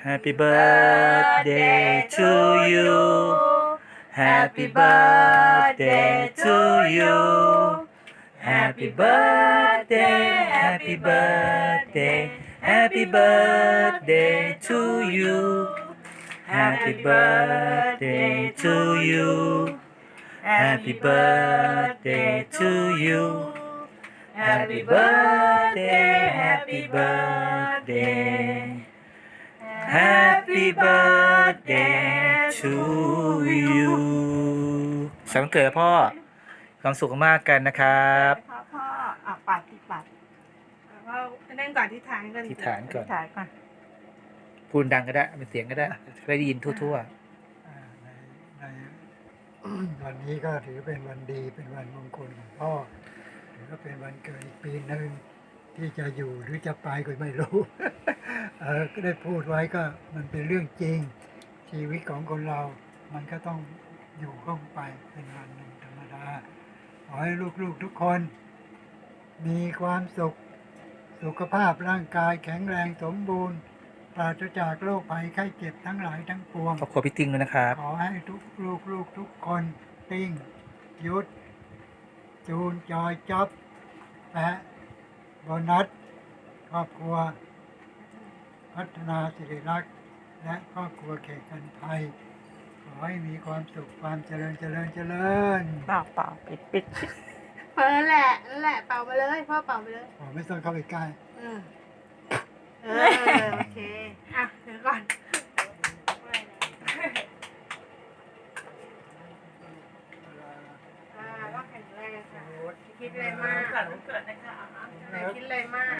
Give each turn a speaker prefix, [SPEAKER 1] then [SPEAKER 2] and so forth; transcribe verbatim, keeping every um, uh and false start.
[SPEAKER 1] Happy birthday to you Happy birthday to you Happy birthday Happy birthday Happy birthday to you Happy birthday to you Happy birthday to you Happy birthday Happy birthday Happy birthday to you สวัสดีวันเกิดพ่อความสุขมากกันนะครับ
[SPEAKER 2] พ่อพ่ออ่ะปัดที่ปัดแล้วก็นั่งก่อนที่ฐานก่อน
[SPEAKER 1] ที่ฐานก่อน
[SPEAKER 2] ที่ฐานก่อน
[SPEAKER 1] พูดดังก็ได้เป็นเสียงก็ได้ได้ยินทั่ว
[SPEAKER 3] อ่าในในวันนี้ก็ถือเป็นวันดีเป็นวันมงคลของพ่อถือว่าเป็นวันเกิดอีกปีหนึ่งที่จะอยู่หรือจะไปก็ไม่รู้ เออก็ได้พูดไว้ก็มันเป็นเรื่องจริง ชีวิตของคนเรา มันก็ต้องอยู่ข้องไปเป็นวันหนึ่งธรรมดาขอให้ลูกๆทุกคน มีความสุขสุขภาพร่างกายแข็งแรงสมบูรณ์ ปราศจากโรคภัยไข้เจ็บทั้งหลายทั้งปวง
[SPEAKER 1] ๆครอบครัวพี่ติ้งด้วยนะครับ
[SPEAKER 3] ขอให้ทุกลูกลูกทุกคนติ้งยุทธจูนจอยจ๊อบและโบนัสครอบครัว พัฒนาสิริรักษ์และครอบครัวเขตกันภัยขอให้มีความสุขความเจริญเจริญเจริญ
[SPEAKER 2] เป่าเป่าปิดปิดเปิดแหละนั่นแหละเป่าไปเลยพ่อเป่าไปเลย
[SPEAKER 3] ผมไม่ต้องเข้าไปใกล้
[SPEAKER 2] เออเออโอเคอ่ะเดี๋ยวก่อนอ่าก็แข็งแรงค่ะคิดอะไรมาก
[SPEAKER 4] เกิดวันเกิดนะคะ
[SPEAKER 2] ไม่คิดอะไรมาก